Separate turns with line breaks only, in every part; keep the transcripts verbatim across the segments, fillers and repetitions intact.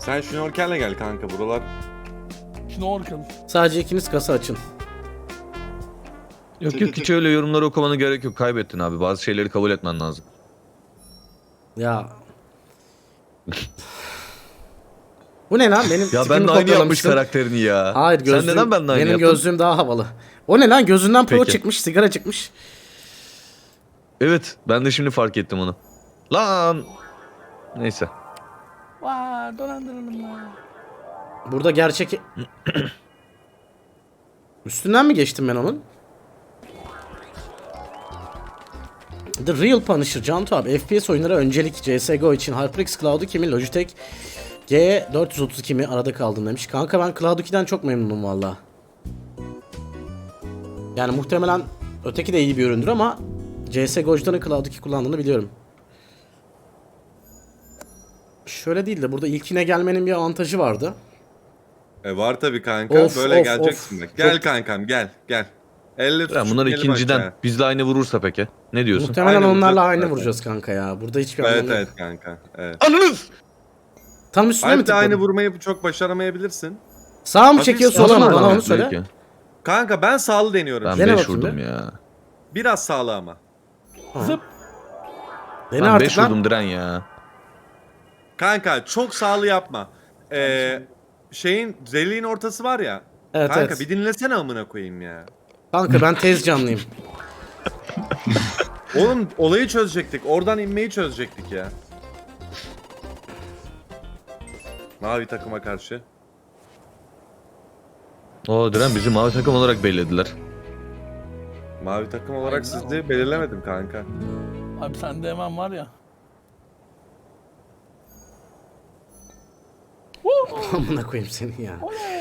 Sen şnorkelle gel kanka buralar.
Şnorkel.
Sadece ikiniz kasa açın.
Yok yok hiç öyle yorumları okumana gerek yok. Kaybettin abi. Bazı şeyleri kabul etmen lazım.
Ya. Bu ne lan? Benim
Ya
tipimi
ben de aynı yapmış
kopyalamışsın.
karakterini ya.
Hayır gözlüğüm.
Sen neden benden aynı
Benim
yaptın?
gözlüğüm daha havalı. O ne lan? Gözünden pro
Peki.
çıkmış, sigara çıkmış.
Evet ben de şimdi fark ettim onu. Lan. Neyse.
Vaa dolandırıldım lan.
Burada gerçek... Üstünden mi geçtim ben onun? The Real Punisher, Cantu abi. F P S oyunlara öncelik C S G O için HyperX Cloud iki mi, Logitech G dört yüz otuz iki mi arada kaldım demiş. Kanka ben Cloud iki'den çok memnunum valla. Yani muhtemelen öteki de iyi bir üründür ama C S G O'cuların Cloud iki kullandığını biliyorum. Şöyle değil de burada ilkine gelmenin bir avantajı vardı.
E var tabii kanka.
Of,
Böyle
of,
geleceksin
of.
bak. Gel
Çok-
kankam gel gel. Elle
Ya
tutuşup
bunlar
gelin
ikinciden.
aşağıya.
Bizle aynı vurursa peki. Ne diyorsun?
Muhtemelen
Aynı
onlarla
vuracağız
aynı
zaten.
vuracağız kanka ya. Burada hiçbir
Evet
anlamı yok.
evet kanka. Evet.
Anınız!
Tam üstüne mi
Alp de
tıkladın?
aynı vurmayı çok başaramayabilirsin.
Sağa mı
Hafif
çekiyor
sağa
sola mı?
mı?
Bana onu
Belki.
söyle.
Kanka ben sağlı deniyorum.
Ben
Dene
beş
bakayım
vurdum
bir.
ya.
Biraz sağlı ama.
Zıp.
Dene
Ben
artık
beş
lan.
vurdum diren ya.
Kanka çok sağlı yapma. Ee, şeyin deliğin ortası var ya.
Evet,
kanka
evet.
bir dinlesene amına koyayım ya.
Kanka ben tez canlıyım.
Oğlum olayı çözecektik. Oradan inmeyi çözecektik ya. Mavi takıma karşı.
O diren bizi mavi takım olarak bellediler.
Mavi takım olarak sizi belirlemedim kanka.
Abi sende hemen var ya.
Amına koyayım seni ya.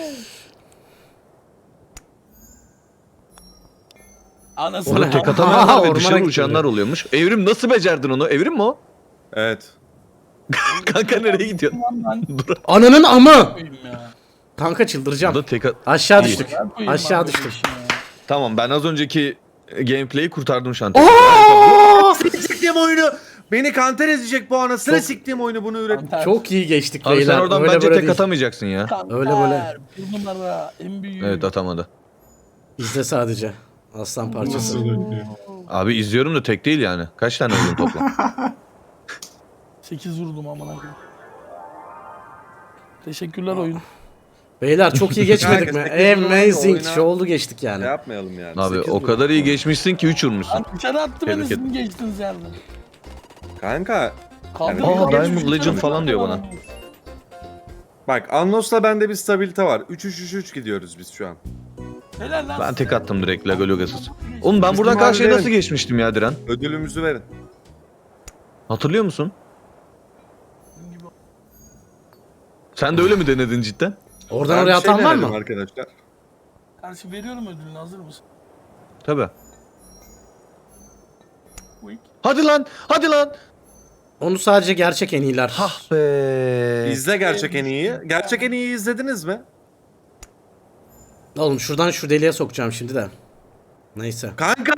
Anasını
O ne?
Tek
Aha,
atamayanlar ve
ormana
dışarı
gitti.
uçanlar oluyormuş. Evrim nasıl becerdin onu? Evrim mi o?
Evet.
Kanka nereye gidiyorsun?
ben
Dur.
Ananın amı.
koyayım ya.
Kanka çıldıracağım.
Burada tek at-
Aşağı
İyi.
düştük.
Ben koyayım
Aşağı
abi
düştük.
böyle işi ya.
Tamam ben az önceki gameplay'i kurtardım şu an.
Oo!
Siktiğim oyunu. Beni kanter edecek bu anasını
Çok-
siktiğim oyunu bunu üret.
Kanter.
Çok iyi geçtik
Abi
beyler.
sen oradan
Öyle
bence
böyle
tek
değil.
atamayacaksın ya.
Kanter.
Öyle böyle.
Bunlara en büyük.
Evet atamadı.
İzle sadece. Aslan parçası.
Nasıl ölüyor?
Abi izliyorum da tek değil yani. Kaç tane vurdun toplam?
sekiz vurdum amına koyayım. Teşekkürler oyun.
Beyler çok iyi geçmedik mi?
Kanka, sekiz numaralı
Amazing.
oyuna-
Şu oldu geçtik yani.
Ne yapmayalım yani.
Abi
Sekiz
o
vurduk.
kadar iyi geçmişsin ki üç vurmuşsun.
Lan dışarı attı beni,
Tebrik
siz
ederim.
mi geçtiniz yerden?
Kanka
Kaldı.
Yani-
Aa, Diamond Legend falan diyor bana.
bak Annos'la bende bir stabilite var. üç üç üç üç gidiyoruz biz şu an.
Helal lan.
Ben tek attım direkt Lago Logasız. Oğlum ben buradan
Bizim
karşıya
abilerin-
nasıl geçmiştim ya Diren?
Ödülümüzü verin.
Hatırlıyor musun? Sen de öyle mi denedin cidden?
Oradan
Ben
oraya
bir şey
atan var
denedim
mı?
arkadaşlar?
Karşı veriyorum ödülünü, hazır mısın?
Tabii.
Quick.
Hadi lan, hadi lan.
Onu sadece gerçek en iyiler.
Hah be.
İzle gerçek en iyiyi. Gerçek en iyiyi izlediniz mi?
Oğlum şuradan şu deliğe sokacağım şimdi de. Neyse.
Kanka!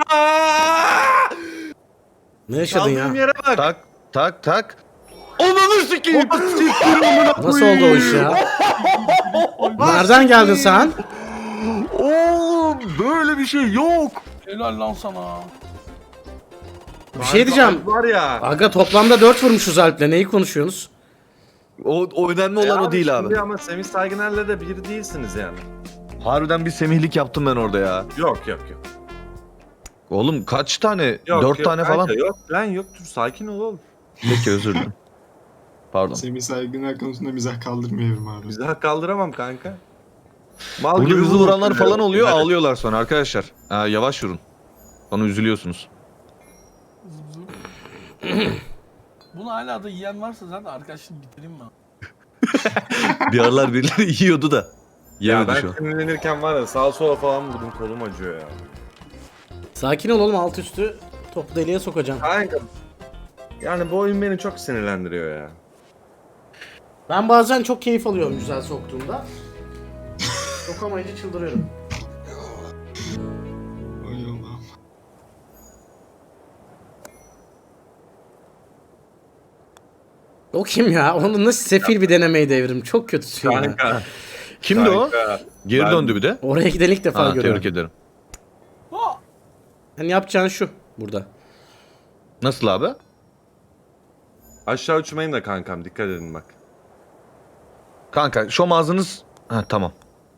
Ne yaşadın ya?
Kaldığım yere bak.
Tak, tak, tak. Ananı sikeyim.
Nasıl oldu o iş ya? Nereden geldin sen?
Oğlum böyle bir şey yok.
Helal lan sana.
Bir şey diyeceğim.
Var ya.
Aga toplamda dört vurmuşuz Alp'le. Neyi konuşuyorsunuz?
O, o önemli olan
E
o değil abi.
şimdi Ama Semih Saygıner'le de bir değilsiniz yani.
Harbiden bir semihlik yaptım ben orada ya.
Yok yok yok.
Oğlum kaç tane?
Yok,
Dört
yok
tane
kanka,
falan.
Yok lan yok dur sakin ol oğlum.
Peki özür dilerim. Pardon.
Semih Saygıner konusunda mizah kaldırmıyorum abi.
Bizi hak kaldıramam kanka. Mal
Burada
gibi
hızlı
vurun.
vuranlar falan oluyor,
Hadi.
ağlıyorlar sonra arkadaşlar. Ha, yavaş vurun. Sonra üzülüyorsunuz.
Zıp zıp. Bunu hala da yiyen varsa zaten arkadaşlık bitireyim mi?
Bir aralar birileri yiyordu da.
Ya
Yemedi
ben
şu an.
sinirlenirken var ya sağa sola falan vurdum kolum acıyor ya.
Sakin ol oğlum, alt üstü topu deliğe sokacağım.
Kanka. Yani bu oyun beni çok sinirlendiriyor ya.
Ben bazen çok keyif alıyorum güzel soktuğumda. Sokamayınca çıldırıyorum.
Oy Allah'ım.
O kim ya? Onu nasıl sefil bir denemeydi evrim. Çok kötüsün ya.
Kanka.
Kimdi o?
kanka.
Geri
Ben-
döndü bir de.
Oraya giden ilk defa
Ha,
görüyorum.
tebrik ederim.
Ha!
Hani yapacağın şu burada.
Nasıl abi?
Aşağı uçmayın da kankam, dikkat edin bak.
Kanka şom ağzınız... Ha tamam.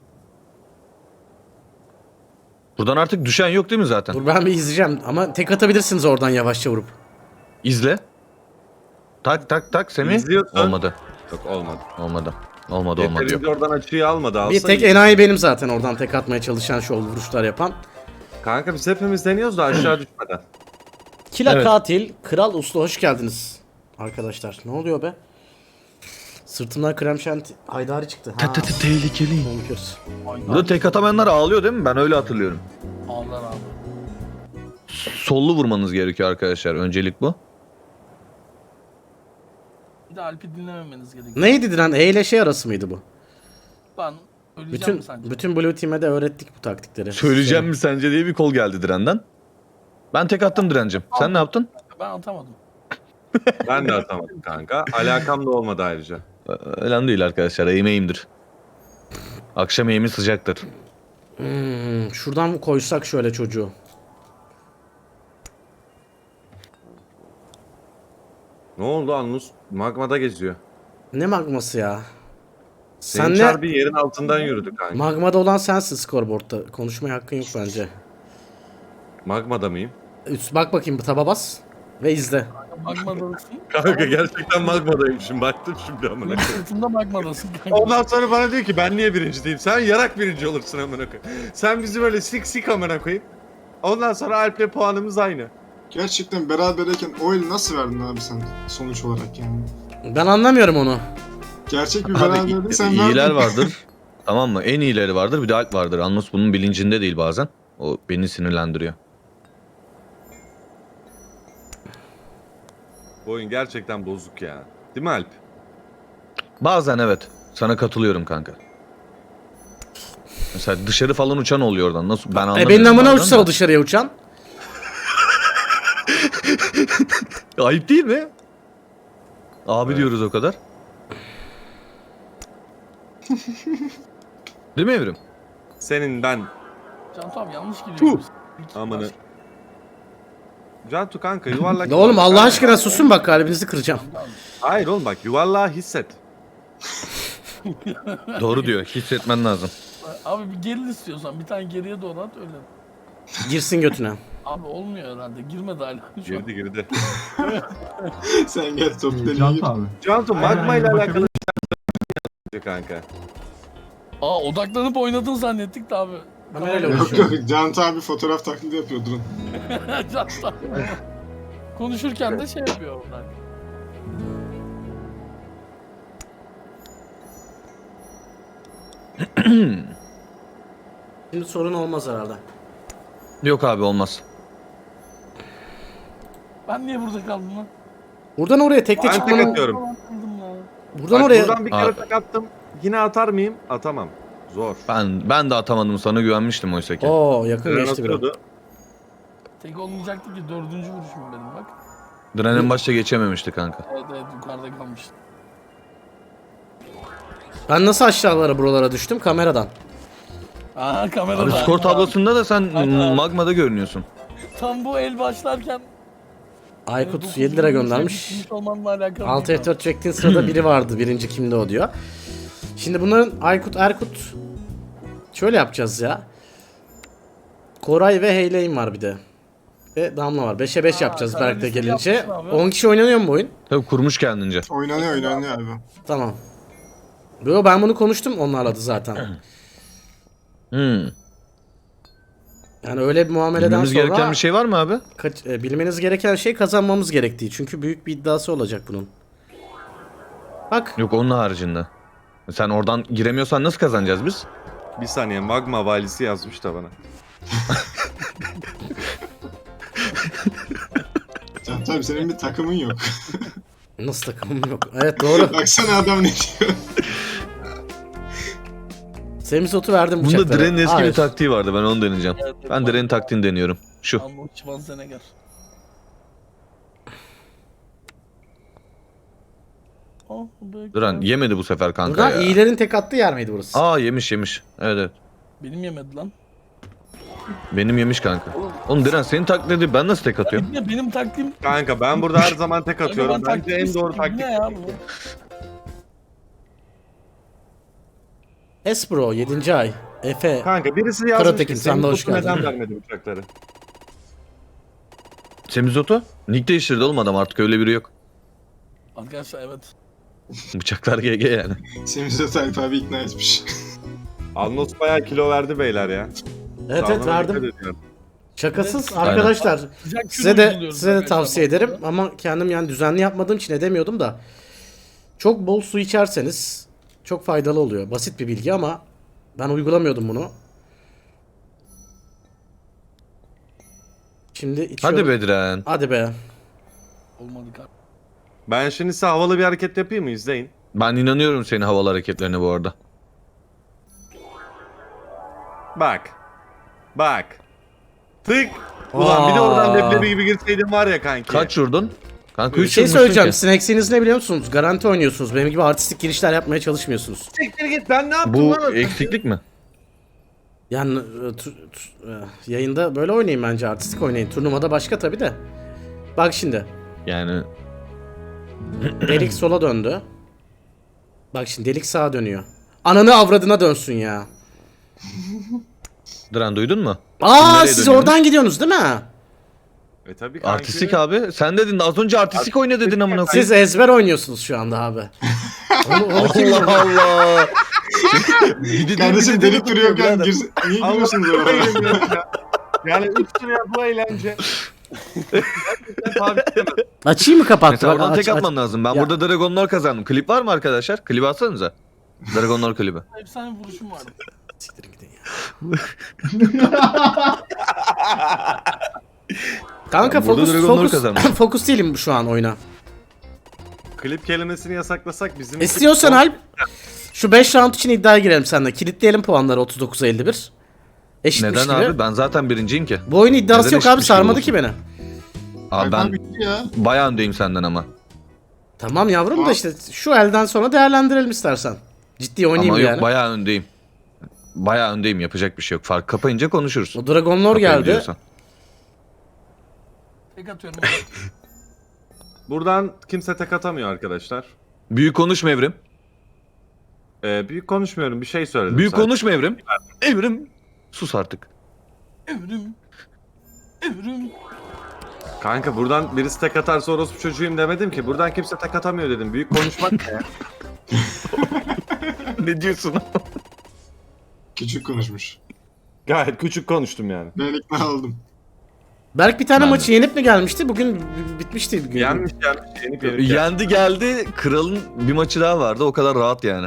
Buradan artık düşen yok değil mi zaten?
Dur ben bir izleyeceğim ama tek atabilirsiniz oradan yavaşça vurup.
İzle. Tak tak tak Semih.
İzliyorsun.
Olmadı.
Yok olmadı.
Olmadı. Olmadı olmadı
Yeterince
yok.
oradan açıyı almadı. Alsa
Bir tek
iyi.
enayi benim zaten oradan tek atmaya çalışan şov vuruşlar yapan.
Kanka biz hepimiz deniyoruz da aşağı düşmeden.
Kila
Evet.
Katil, Kral Uslu hoş geldiniz. Arkadaşlar ne oluyor be? Sırtımdan krem şanti haydari çıktı. Ha,
Tehlikeli.
bonkers.
Burada tek atamayanlar ağlıyor değil mi? Ben öyle hatırlıyorum.
Ağlar abi.
Sollu vurmanız gerekiyor arkadaşlar. Öncelik bu.
Bir de Alp'i dinlememeniz gerekiyor.
Neydi lan? E ile şey arası mıydı bu?
Ben öleceğim
Bütün
mi sence?
bütün Blue Team'e de öğrettik bu taktikleri.
Söyleyeceğim mi sence diye bir kol geldi Diren'den. Ben tek attım Diren'cim. Sen ne yaptın?
Ben atamadım.
Ben de atamadım kanka. Alakam da olmadı ayrıca.
Ee, Önemli değil arkadaşlar. Eğim eğimdir. Akşam eğimi sıcaktır.
Hmm, şuradan mı koysak şöyle çocuğu?
Ne oldu Anlus? Magmada geziyor.
Ne magması ya?
Senin
Sen
çar
ne?
bir yerin altından yürüdü kanka.
Magmada olan sensin scoreboard'ta. Konuşmaya hakkın yok bence.
Magmada mıyım?
Üst bak bakayım bu taba bas ve izle.
Magmadasın.
Kanka gerçekten magmadaymışım. Baktım şimdi amına koyayım.
Sırtında magmadasın kanka.
Ondan sonra bana diyor ki ben niye birinci değilim? Sen yarak birinci olursun amına koyayım. Sen bizi böyle sik sik amına koyayım. Ondan sonra Alp'le puanımız aynı.
Gerçekten berabereyken o eli nasıl verdin abi sen sonuç olarak yani?
Ben anlamıyorum onu.
Gerçek bir
Abi
beraberliği sen verdin.
iyiler vardır. Tamam mı? En iyileri vardır. Bir de Alp vardır. Anlos bunun bilincinde değil bazen. O beni sinirlendiriyor.
Bu oyun gerçekten bozuk ya. Değil mi Alp?
Bazen evet. Sana katılıyorum kanka. Mesela dışarı falan uçan oluyor oradan. Nasıl? Ben anlamıyorum.
E benim amına
bazen
uçsa
de.
o dışarıya uçan.
Ayıp değil mi? Abi diyoruz o kadar. Değil mi Evrim?
Senin ben.
Cantu abi yanlış giriyorsun.
Amanı. Cantu kanka yuvarlak.
Ya oğlum Allah
Kanka.
aşkına susun bak kalbinizi kıracağım.
Hayır oğlum bak yuvarlağı hisset.
Doğru diyor. Hissetmen lazım.
Abi bir geril istiyorsan bir tane geriye doğru at öyle.
Girsin götüne.
Abi olmuyor herhalde. Girmedi hala. Şu an.
Girdi girdi.
Sen gel top deliği.
Cantu abi.
Cantu
Aynen,
magma ile
aynen,
alakalı kanka.
Aa odaklanıp oynadın zannettik de abi.
Kamerayla
Yok
uğraşıyorum.
yok Cantu abi fotoğraf taklidi yapıyor durun.
Cantu abi. Konuşurken de şey yapıyor onlar.
Şimdi sorun olmaz herhalde.
Yok abi olmaz.
Ben niye burada kaldım lan?
Buradan oraya tekte
Ben tek
çıkmanın...
atıyorum.
Ben kaldım ya.
Buradan
Bak,
oraya...
Buradan bir kere
Abi.
tak attım. Yine atar mıyım? Atamam. Zor.
Ben ben de atamadım, sana güvenmiştim oysa ki.
Oo yakın
Tren
geçti biraz.
atıyordu.
Tek olmayacaktı ki dördüncü vuruşum benim bak.
Diren'in başta geçememişti kanka.
Evet evet yukarıda kalmıştı.
Ben nasıl aşağılara buralara düştüm? Kameradan.
Aha kamerada.
Abi skor tablosunda da sen
Aynen.
magmada görünüyorsun.
Tam bu el başlarken
Aykut
dokuz
yedi lira
vuruşa
göndermiş.
gitmiş olmanla alakalı.
altı
değil
F dört çektiğin sırada biri vardı. Birinci kimdi o diyor. Şimdi bunların Aykut, Erkut şöyle yapacağız ya. Koray ve Heyley'im var bir de. Ve Damla var. beşe beş
Aa,
yapacağız
sen
Berk'te
liste
gelince.
yapmışsın abi.
on kişi oynanıyor mu bu oyun?
Tabii kurmuş kendince.
Oynanıyor oynanıyor abi.
Tamam. Yo ben bunu konuştum onlarla da zaten.
Hmm.
Yani öyle bir muameleden
Bilmemiz
sonra
gereken bir şey var mı abi?
kaç- e, bilmeniz gereken şey kazanmamız gerektiği. Çünkü büyük bir iddiası olacak bunun. Bak
Yok onun haricinde. Sen oradan giremiyorsan nasıl kazanacağız biz?
Bir saniye magma valisi yazmış da bana.
Cantu abi senin bir takımın yok.
nasıl takımım yok. Evet doğru.
Baksana adam ne diyor.
Semizotu verdim
Bunda
bıçaklara.
Diren'in eski
Hayır.
bir taktiği vardı, ben onu deneyeceğim.
Evet, evet,
Ben
var.
Diren'in taktiğini deniyorum. Şu.
Ama Schwarzenegger. Oh, be-
Duran yemedi bu sefer kanka
Buradan
ya.
iyilerin tek attığı yer miydi burası?
Aa yemiş yemiş. Evet evet.
Benim yemedi lan.
Benim yemiş kanka. Oğlum Diren senin taklidi ben nasıl tek atıyorum?
Bir de benim taktiğim...
Kanka ben burada her zaman tek atıyorum.
Ben
Bence en doğru
taktiğim
taktik.
ne ya bu?
Esbro yedinci ay. Efe.
Kanka birisi yazmış
Karatekin,
ki
sen de
senin
hoş
topu
geldin.
neden vermedi bıçakları?
Semizotu? Nick değiştirdi oğlum adam artık öyle biri yok.
Arkadaşlar evet.
Bıçaklar G G yani.
Semiz'e Tayyip abi ikna etmiş.
Alnos bayağı kilo verdi beyler ya.
Evet evet
Sağlığına
verdim.
dikkat ediyorum.
Şakasız
Aynen.
arkadaşlar.
Sıcak
Size
kilo
de
uyguluyoruz
size de
arkadaşlar
tavsiye
bu arada.
ederim ama kendim yani düzenli yapmadığım için edemiyordum da. Çok bol su içerseniz çok faydalı oluyor. Basit bir bilgi ama ben uygulamıyordum bunu. Şimdi içiyorum.
Hadi be Diren.
Hadi be.
Olmadı kanka.
Ben şimdi size havalı bir hareket yapayım mı? İzleyin.
Ben inanıyorum senin havalı hareketlerine bu arada.
Bak. Bak. Tık. Ulan bir de oradan
Aa.
leblebi gibi girseydin var ya kanki.
Kaç vurdun? Kanka
Bir
üç
şey
vurmuşsun
söyleyeceğim.
ki.
Sizin eksiğiniz ne biliyor musunuz? Garanti oynuyorsunuz. Benim gibi artistik girişler yapmaya çalışmıyorsunuz.
Siktir git ben ne yaptım
Bu
lan?
eksiklik mi?
Yani e, tu- tu- e, yayında böyle oynayın bence. Artistik oynayın. Turnuvada başka tabi de. Bak şimdi.
Yani
Delik sola döndü. Bak şimdi delik sağa dönüyor. Ananı avradına dönsün ya.
Diren duydun mu?
Aa
Nereye
siz
dönüyormuş?
oradan gidiyorsunuz değil mi?
E tabii kanki.
Artistik abi. Sen dedin az önce artistik oyna dedin amına koyayım.
Siz ezber oynuyorsunuz şu anda abi. Onu, onu kim
Allah Allah. Bir de-
Kardeşim
bir de-
delik duruyorken
birader.
gir... Niye giriyorsunuz
Allah'ım
oraya?
bayılıyorum ya. Yani üç liraya bu eğlence. Gerçekten tabi edemem.
Açayım mı kapattı?
Mesela
Bak,
oradan
aç-
tek
aç-
atmam lazım. Ben
Ya.
burada Dragonlar kazandım. Klip var mı arkadaşlar? Klibi atsanıza. Dragonlar klibi.
Efsane vuruşum vardı.
Siktirin gidin ya. Kanka
Ben burada
fokus
Dragonlar
fokus
kazandım.
fokus değilim şu an oyuna.
Klip kelimesini yasaklasak bizim...
İstiyorsan Alp şu beş round için iddiaya girelim seninle. Kilitleyelim puanları otuz dokuza elli bir. Eşitmiş
Neden
gibi.
abi? Ben zaten birinciyim ki.
Bu oyun iddiası
Neden
yok abi
eşitmiş gibi
sarmadı
olsun?
ki beni.
Abi
Tayyip abi
ben
bitti ya.
bayağı öndeyim senden ama.
Tamam yavrum da
Tamam.
işte şu elden sonra değerlendirelim istersen. Ciddi oynayayım
Ama yok
yani.
bayağı öndeyim. Bayağı öndeyim. Yapacak bir şey yok. Fark kapayınca konuşuruz.
O Dragon Lord
Kapayı
geldi.
biliyorsan.
Tek atıyorum.
Buradan kimse tek atamıyor arkadaşlar.
Büyük konuşma Evrim.
Ee, büyük konuşmuyorum bir şey söyledim
Büyük
sadece.
konuşma Evrim. Evrim. Sus artık.
Evrim. Evrim.
Kanka buradan birisi tek atarsa orospu çocuğuyum demedim ki. Buradan kimse tek atamıyor dedim. Büyük konuşmak ne ya?
Ne diyorsun?
Küçük konuşmuş.
Gayet küçük konuştum yani.
Ben ikna oldum.
Berk bir tane
Ben de.
maçı yenip mi gelmişti? Bugün b- bitmişti. Bugün.
Yenmiş yenmiş yenip yenip. yenip.
Yendi geldi. Kralın bir maçı daha vardı. O kadar rahat yani.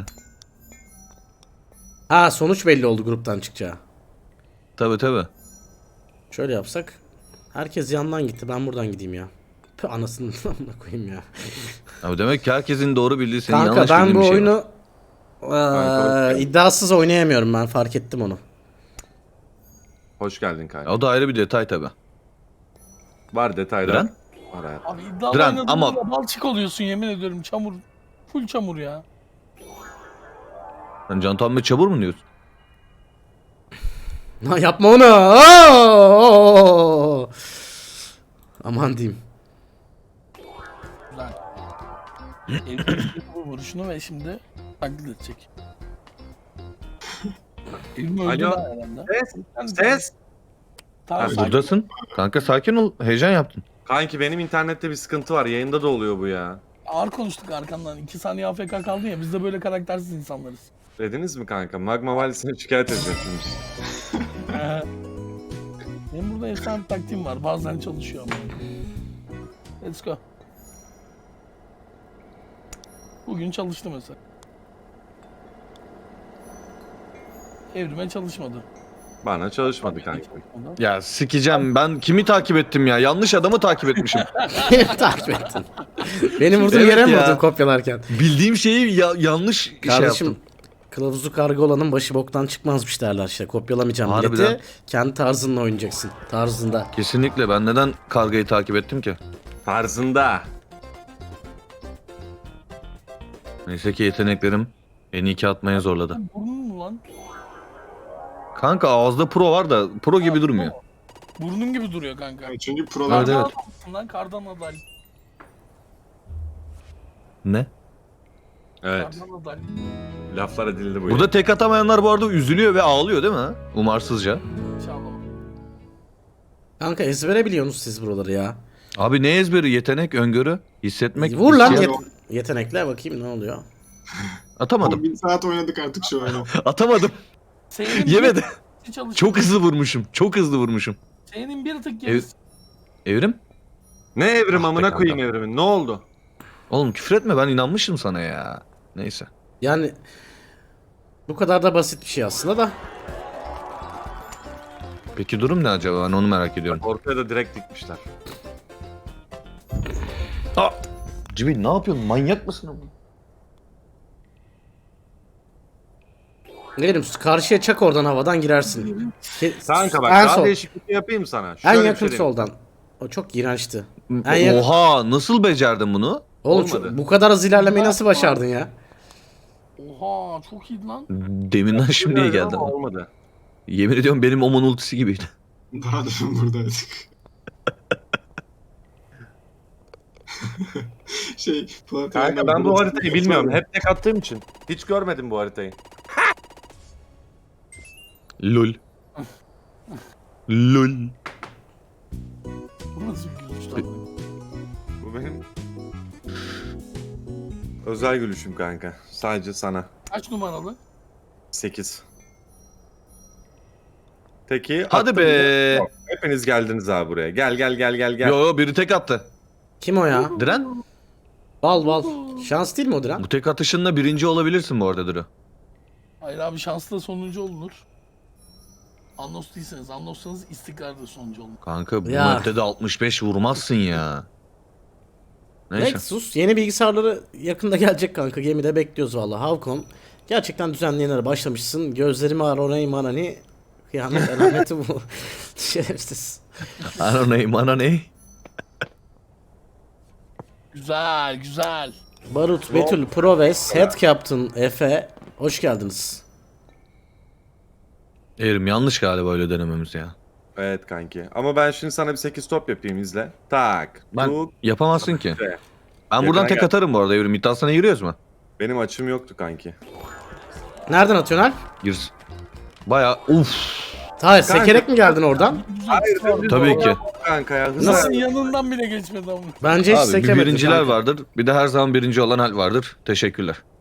Ha sonuç belli oldu gruptan çıkacağı.
Tabi tabi.
Şöyle yapsak. Herkes yandan gitti. Ben buradan gideyim ya. Pü anasını amına koyayım ya.
Abi demek ki herkesin doğru bildiği senin
Kanka
yanlış
ben
bildiğin
bu
bir şey var.
oyunu
Kanka,
eee, iddiasız oynayamıyorum ben fark ettim onu.
Hoş geldin kanka.
O da ayrı bir detay tabi.
Var detaylar.
Diren?
Var hayatım.
Abi iddialı
Diren,
oynadığında
ama-
balçık oluyorsun yemin ediyorum. Çamur. Full çamur ya.
Sen Can Tamme çabur mu diyorsun?
Ha, yapma onu. Oo! Aman diyeyim.
Güzel. Evrim bu vuruşunu ve şimdi taklit edecek. Evrim öldü
Alo.
lan herhalde.
Ses.
Sen-
Ses.
Tamam,
Abi
sakin.
Buradasın. Kanka sakin ol. Heyecan yaptın.
Kanki benim internette bir sıkıntı var. Yayında da oluyor bu ya.
Ağır konuştuk arkandan. iki saniye A F K kaldın ya. Biz de böyle karaktersiz insanlarız.
Dediniz mi kanka? Magma valisine şikayet edeceğim şimdi.
Benim burada efsane bir taktiğim var. Bazen çalışıyor ama. Let's go. Bugün çalıştı mesela. Evrime çalışmadı.
Bana çalışmadı kanki.
Ya sikeceğim. Ben kimi takip ettim ya? Yanlış adamı takip etmişim.
Takip ettin. Benim vurduğum
Evet
yere mi
ya.
vurdun kopyalarken?
Bildiğim şeyi ya- yanlış şey
Kardeşim
yaptım.
kılavuzu karga olanın başı boktan çıkmazmış derler işte. Kopyalamayacağım
Harbiden.
bileti. Kendi tarzınla oynayacaksın. Tarzında.
Kesinlikle. Ben neden kargayı takip ettim ki?
Tarzında.
Neyse ki yeteneklerim en iyi atmaya zorladı.
Burnun mu lan?
Kanka ağızda pro var da pro gibi durmuyor.
Burnun gibi duruyor kanka.
Yani çünkü prolar
Evet, evet.
Kardan lan kardan adal.
Ne?
Evet.
Kardan adal.
Laflar edildi bu.
Burada tek atamayanlar bu arada üzülüyor ve ağlıyor değil mi? Umarsızca.
İnşallah.
Kanka ezbere biliyorsunuz siz buraları ya.
Abi ne ezberi? Yetenek, öngörü, hissetmek.
Vur lan
isyan-
yet- yetenekle bakayım ne oluyor.
Atamadım.
on bin saat oynadık artık şu oyunu.
Atamadım.
Senin
Yemedi.
bir çalışıyor.
Çok hızlı vurmuşum. Çok hızlı vurmuşum.
Senin bir tık
Ev-
gerisi.
Evrim?
Ne evrim
Ah be
amına
kanka.
koyayım evrimin? Ne oldu?
Oğlum küfür etme, ben inanmışım sana ya. Neyse.
Yani bu kadar da basit bir şey aslında da.
Peki durum ne acaba? Ben onu merak ediyorum.
Ortaya da direkt dikmişler.
Aa! Cibil ne yapıyorsun? Manyak mısın oğlum?
Ne bileyim karşıya çak oradan havadan girersin. Ke-
Kanka bak
en
daha
sol.
değişiklik yapayım sana.
En
Şöyle bir
yakın
şey diyeyim.
soldan. O çok iğrençti. En yakın-
Oha! Nasıl becerdin bunu?
Oğlum
Olmadı.
şu- bu kadar hızlı ilerlemeyi nasıl başardın ya?
Oha çok iyi lan.
Deminden şimdiye
Ama
geldi.
olmadı.
Yemin ediyorum benim Oman ultisi gibiydi.
Daha demin buradaydık. şey, Polat
Kanka
Alemdar
ben bu
burada-
haritayı bilmiyorum. Hep tek attığım için. Hiç görmedim bu haritayı.
Lol. Lol.
Bu nasıl bir gülüş lan?
Bu benim özel gülüşüm kanka. Sadece sana.
Kaç numaralı?
sekiz. Peki.
Hadi
attım
be.
mı? Hepiniz geldiniz abi buraya. Gel gel gel gel gel.
Yo yo biri tek attı.
Kim o ya?
Diren,
Bal bal. Şans değil mi o Diren?
bu tek atışınla birinci olabilirsin bu arada Duru.
Hayır abi şanslı sonuncu olunur. Anlos değilseniz, anlossanız istikrarda sonuncu olun.
Kanka bu
Ya.
map'te de altmış beş vurmazsın ya. Neyse.
Nexus yeni bilgisayarları yakında gelecek kanka. Gemide bekliyoruz valla. Havcom gerçekten düzenleyenlere başlamışsın. Gözlerimi ar orayı manani. Kıyamet alameti bu. Şerefsiz.
Ana ne, ana ne?
Güzel güzel.
Barut, Betül, Proves, Head Captain, Efe. Hoş geldiniz.
Erim yanlış galiba öyle denememiz ya.
Evet kanki. Ama ben şimdi sana bir sekiz top yapayım izle. Tak.
Ben
tuk.
yapamazsın ki.
Be.
Ben buradan
Yakına
tek
gel.
atarım bu arada Evrim. İddiasına giriyoruz mu?
Benim açım yoktu kanki.
Nereden atıyorsun Alp?
Gir. Baya uff.
Hayır, sekerek mi geldin oradan?
Güzel. Hayır,
Tabii ki.
Kanka ya. Hızlı.
Nasıl?
yanından bile geçmedi ama.
Bence hiç
Abi bir
sekemedin
birinciler
kanka.
vardır. Bir de her zaman birinci olan hal vardır. Teşekkürler.